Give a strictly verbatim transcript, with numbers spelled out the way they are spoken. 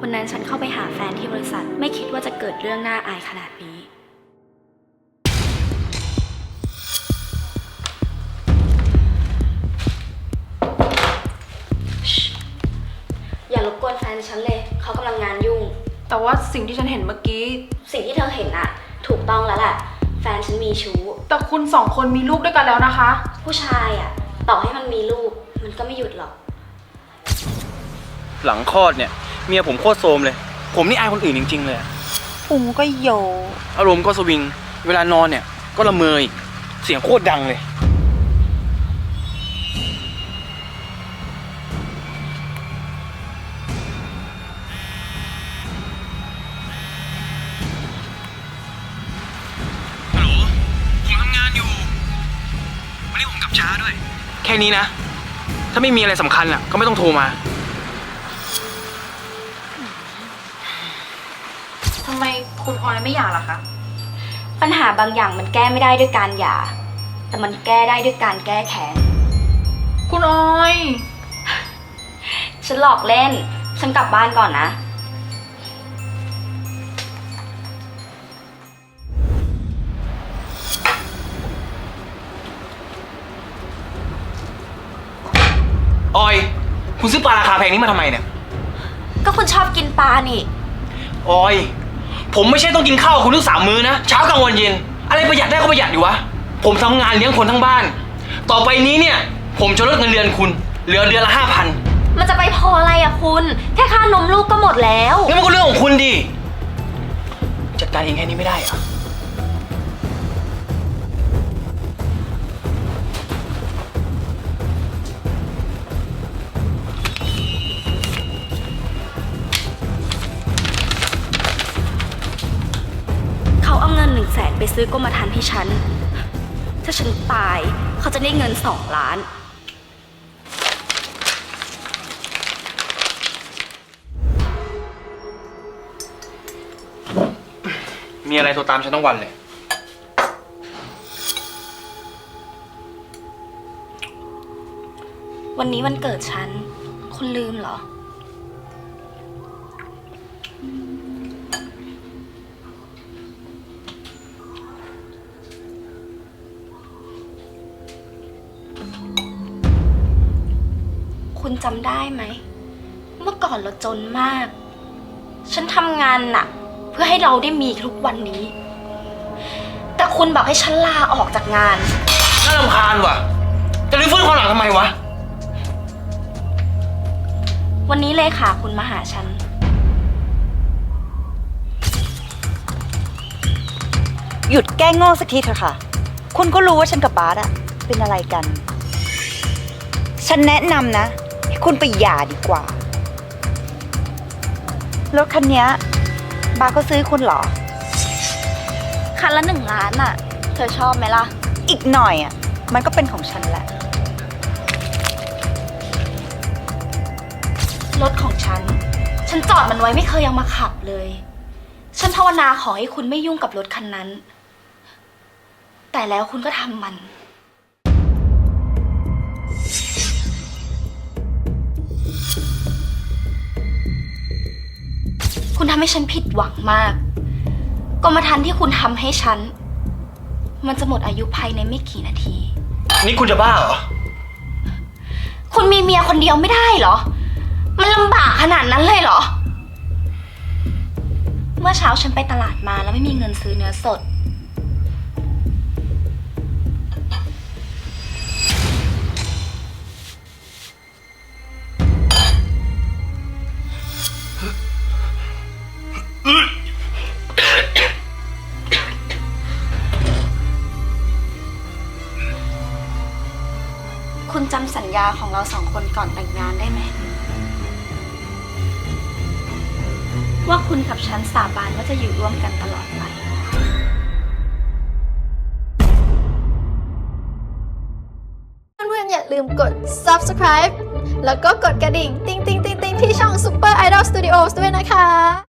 วันนั้นฉันเข้าไปหาแฟนที่บริษัทไม่คิดว่าจะเกิดเรื่องน่าอายขนาดนี้อย่ารบกวนแฟนฉันเลยเขากำลังงานยุ่งแต่ว่าสิ่งที่ฉันเห็นเมื่อกี้สิ่งที่เธอเห็นอะถูกต้องแล้วแหละแฟนฉันมีชู้แต่คุณสองคนมีลูกด้วยกันแล้วนะคะผู้ชายอะต่อให้มันมีลูกมันก็ไม่หยุดหรอกหลังคลอดเนี่ยเมียผมโคตรโซมเลยผมนี่อายคนอื่นจริงๆเลยพุงก็โยอารมณ์ก็สวิงเวลานอนเนี่ยก็ละเมออีกเสียงโคตรดังเลยฮัลโหลผมทำงานอยู่วันนี้ผมกลับช้าด้วยแค่นี้นะถ้าไม่มีอะไรสำคัญอ่ะก็ไม่ต้องโทรมาทำไมคุณออยไม่หย่าล่ะคะปัญหาบางอย่างมันแก้ไม่ได้ด้วยการหย่าแต่มันแก้ได้ด้วยการแก้แค้นคุณออยฉันหลอกเล่นฉันกลับบ้านก่อนนะออยคุณซื้อปลาราคาแพงนี้มาทำไมเนี่ยก็คุณชอบกินปลานี่ออยผมไม่ใช่ต้องกินข้าวคุณทุกสามมื้อนะเช้ากลางวันเย็นอะไรประหยัดได้ก็ประหยัดดิวะผมทำงานเลี้ยงคนทั้งบ้านต่อไปนี้เนี่ยผมจะลดเงินเดือนคุณเหลือเดือนละห้าพันมันจะไปพออะไรอะคุณแค่ค่านมลูกก็หมดแล้วงั้นมันก็เรื่องของคุณดิจัดการเองแค่นี้ไม่ได้เหรอเขาเอาเงินหนึ่งแสนไปซื้อกรมธรรม์ให้ฉันถ้าฉันตายเขาจะได้เงินสองล้านมีอะไรโทรตามฉันทั้งวันเลยวันนี้วันเกิดฉันคุณลืมเหรอคุณจำได้ไหมเมื่อก่อนเราจนมากฉันทำงานหนักเพื่อให้เราได้มีทุกวันนี้แต่คุณบอกให้ฉันลาออกจากงานน่ารำคาญว่ะจะรื้อฟื้นความหลังทำไมวะวันนี้เลขาคุณมาหาฉันหยุดแกล้งโง่สักทีเถอะค่ะคุณก็รู้ว่าฉันกับบาสอะเป็นอะไรกันฉันแนะนำนะให้คุณไปหย่าดีกว่ารถคันนี้บาสก็ซื้อคุณเหรอคันละหนึ่งล้านอะเธอชอบไหมล่ะอีกหน่อยอะมันก็เป็นของฉันแหละรถของฉันฉันจอดมันไว้ไม่เคยยังมาขับเลยฉันภาวนาขอให้คุณไม่ยุ่งกับรถคันนั้นแต่แล้วคุณก็ทำมันคุณทำให้ฉันผิดหวังมากกรมธรรม์ที่คุณทำให้ฉันมันจะหมดอายุภายในไม่กี่นาทีนี่คุณจะบ้าเหรอคุณมีเมียคนเดียวไม่ได้เหรอมันลำบากขนาดนั้นเลยเหรอเมื่อเช้าฉันไปตลาดมาแล้วไม่มีเงินซื้อเนื้อสดคุณจำสัญญาของเราสองคนก่อนแต่งงานได้ไหมว่าคุณกับฉันสาบานว่าจะอยู่ร่วมกันตลอดไปเพื่อนๆอย่าลืมกด ซับสไครบ์ แล้วก็กดกระดิ่ง ติ๊งติ๊งติ๊งติ๊งที่ช่อง Super Idol Studios ด้วยนะคะ